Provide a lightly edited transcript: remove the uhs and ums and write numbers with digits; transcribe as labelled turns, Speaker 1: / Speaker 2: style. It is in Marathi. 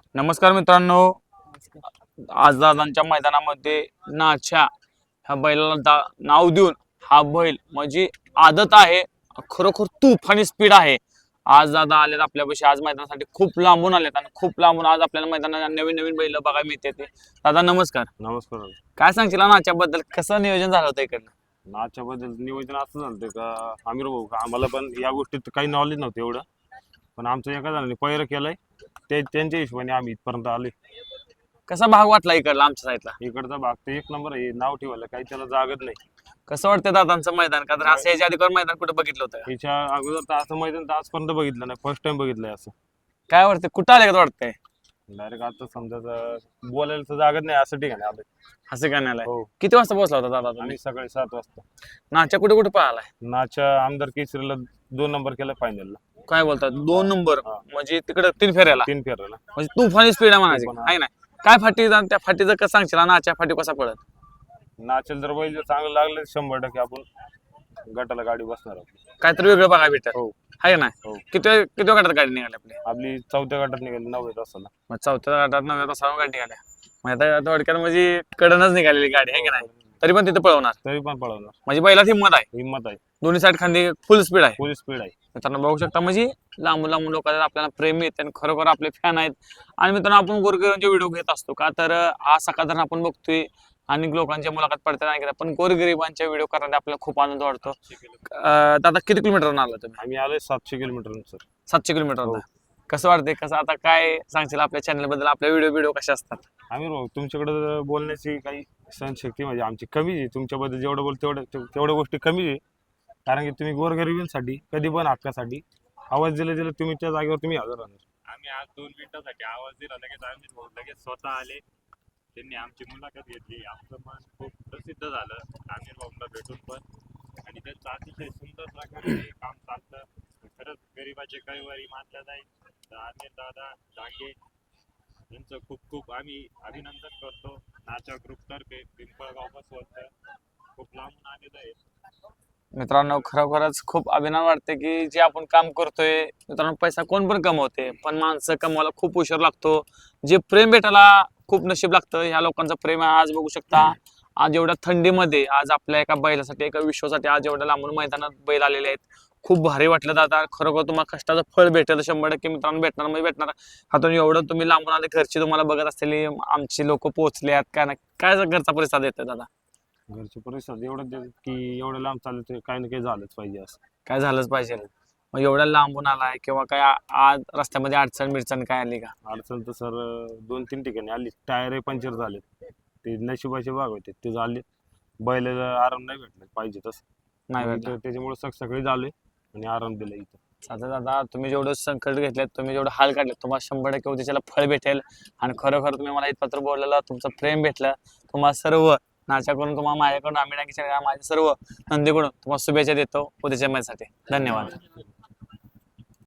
Speaker 1: नमस्कार मित्रांनो, आज दादांच्या मैदानामध्ये नाच्या ह्या बैलाला नाव देऊन हा बैल म्हणजे आदत आहे, खरोखर तुफानी स्पीड आहे. आज दादा आलेत आपल्यापाशी, आज मैदानासाठी खूप लांबून आलेत आणि खूप लांबून आज आपल्याला मैदानात नवीन नवीन बैल बघायला मिळते. दादा नमस्कार.
Speaker 2: नमस्कार.
Speaker 1: काय सांगशील नाच्याबद्दल, कसं नियोजन झालं होतं इकडनं?
Speaker 2: नाच्याबद्दल नियोजन असं झालं का आमिर भाऊ, आम्हाला पण या गोष्टीत काही नॉलेज नव्हतं एवढं, पण आमचं एका जणांनी पैर केलंय त्यांच्या हिशोबाने आम्ही इथपर्यंत आलोय.
Speaker 1: कसा भाग वाटला इकडला आमच्या साईडला?
Speaker 2: इकडचा भाग तर एक नंबर आहे, नाव ठेवायला काही त्याला जागत नाही.
Speaker 1: कसं वाटतं दादांचं मैदान? का तर असं याच्या आधी कोण मैदान कुठं बघितलं होतं?
Speaker 2: हिच्या अगोदर तर असं मैदान तर आजपर्यंत बघितलं नाही, फर्स्ट टाइम बघितलंय असं.
Speaker 1: काय वाटतं, कुठं आले का वाटतंय?
Speaker 2: डायरेक्ट आता समजा बोलायला तर जागत नाही असं ठिकाणी आलोय.
Speaker 1: असं का नाही?
Speaker 2: हो,
Speaker 1: किती वाजता पोहोचला होता दादा तुम्ही?
Speaker 2: आम्ही सकाळी 7 वाजता.
Speaker 1: नाच्या कुठे कुठे पळालाय?
Speaker 2: नाच्या आमदार केसरीला 2 नंबर केला फायनलला.
Speaker 1: काय बोलतात 2 नंबर?
Speaker 2: हा.
Speaker 1: म्हणजे तिकडे 3 फेऱ्याला
Speaker 2: 3 फेरायला.
Speaker 1: म्हणजे तुफानी स्पीड आहे म्हणायची,
Speaker 2: तुफान, हा.
Speaker 1: आहे ना? काय फाटी त्या फाटीचं कसं सांगशील? नाच्या फाटी कसा पडत?
Speaker 2: नाचेल जर बैल जर चांगलं लागलं 100% आपण गटाला गाडी बसणार आहोत.
Speaker 1: काहीतरी वेगळं बघा भेटत,
Speaker 2: हो
Speaker 1: आहे ना?
Speaker 2: हो.
Speaker 1: किती गटात गाडी निघाली आपली?
Speaker 2: आपली 4थ्या गटात निघाली 9 तासाला.
Speaker 1: मग 4थ्या गटात 9व्या तासावर गाडी निघाल्या. मग आता थोडक्यात म्हणजे कडनच निघालेली गाडी आहे की नाही? तरी पण तिथे पळवणार,
Speaker 2: तरी पण पळवणार.
Speaker 1: म्हणजे बैलात हिंमत आहे,
Speaker 2: हिंमत आहे,
Speaker 1: दोन्ही साईड खांदी फुल स्पीड आहे.
Speaker 2: फुल स्पीड आहे.
Speaker 1: मित्रांनो बघू शकता, म्हणजे लांबून लांबून लोकांना आपल्याला प्रेम येते आणि खरोखर आपले फॅन आहेत. आणि मित्रांनो आपण गोरगरिबांचे व्हिडिओ घेत असतो का, तर आज सकाळ आपण बघतोय अनेक लोकांच्या मुलाखत पडतात नाही, पण गोरगरिबांच्या व्हिडिओ करण्यात आपल्याला खूप आनंद वाटतो. दादा किती किलोमीटर आला तुम्ही?
Speaker 2: आम्ही आलोय 700 किलोमीटर सर.
Speaker 1: 700 किलोमीटर.
Speaker 2: हो.
Speaker 1: कसं वाटतंय, कसं आता काय सांगशील आपल्या चॅनल बद्दल? आपल्या व्हिडिओ कसे असतात?
Speaker 2: आम्ही भाऊ तुमच्याकडे बोलण्याची काही सहनशक्ती म्हणजे आमची कमी आहे. तुमच्याबद्दल जेवढं बोल तेवढ्या गोष्टी कमी आहे, कारण की तुम्ही गोरगरिबांसाठी कधी पण हक्कासाठी आवाज दिला तुम्ही त्या जागेवर तुम्ही हजर राहणार.
Speaker 3: आम्ही आज 2 मिनिटासाठी आवाज दिला, लगेच आम्ही भाऊ लगेच स्वतः आले, त्यांनी आमची मुलाखत घेतली. आमचं मन खूप प्रसिद्ध झालं आमिर भाऊंना भेटून पण, आणि त्यांचं अतिशय सुंदर प्रकारे काम चालतं. खरंच गरिबाचे कैवारी मानल्या जाईल तर आमिर दादा डांगे यांचं खूप खूप आम्ही अभिनंदन करतो. नाचा ग्रुपतर्फे पिंपळगाव बसवत खूप लांबून आलेलं आहे.
Speaker 1: मित्रांनो खरोखरच खूप अभिमान वाटते की जे आपण काम करतोय. मित्रांनो पैसा कोण पण कमवते, पण माणसं कमवायला खूप उशीर लागतो. जे प्रेम भेटायला खूप नशीब लागतं. ह्या लोकांचं प्रेम आहे. आज बघू शकता, आज एवढ्या थंडीमध्ये आज आपल्या एका बैलासाठी, एका विश्वासाठी आज एवढ्या लांबून मैदानात बैल आलेले आहेत. खूप भारी वाटलं दादा. खरोखर तुम्हाला कष्टाचं फळ भेटेल 100% मित्रांनो, भेटणार म्हणजे भेटणार. हातून एवढं तुम्ही लांबून आले, घरची तुम्हाला बघत असलेली आमची लोक पोहोचले काय ना काय घरचा प्रतिसाद येतो दादा?
Speaker 2: घरचे परिस्थिती एवढं की एवढं लांब चालत काही ना काही झालंच पाहिजे असं.
Speaker 1: काय झालंच पाहिजे. मग एवढ्या लांबून आलाय किंवा काय आज रस्त्यामध्ये अडचण काय आली का?
Speaker 2: अडचण तर सर 2-3 ठिकाणी आली. टायर पंक्चर झाले, ते नशिबाचे भाग होते ते झाले. बैलाला आराम नाही भेटला पाहिजे तसं
Speaker 1: नाही भेटला.
Speaker 2: त्याच्यामुळे सकाळी झाले आणि आराम दिला इथं.
Speaker 1: साधा दादा, तुम्ही जेवढं संकट घेतलेत, तुम्ही जेवढं हाल काढले, तुम्हाला 100% उद्याच्याला फळ भेटेल. आणि खरोखर तुम्ही मला इथपत्र बोललेलं, तुमचं प्रेम भेटलं. तुम्हाला सर्व नाच्याकडून, तुम्हाला माझ्याकडून, आम्ही माझ्या सर्व नंदीकडून तुम्हाला शुभेच्छा देतो उद्याच्या मॅचसाठी. धन्यवाद.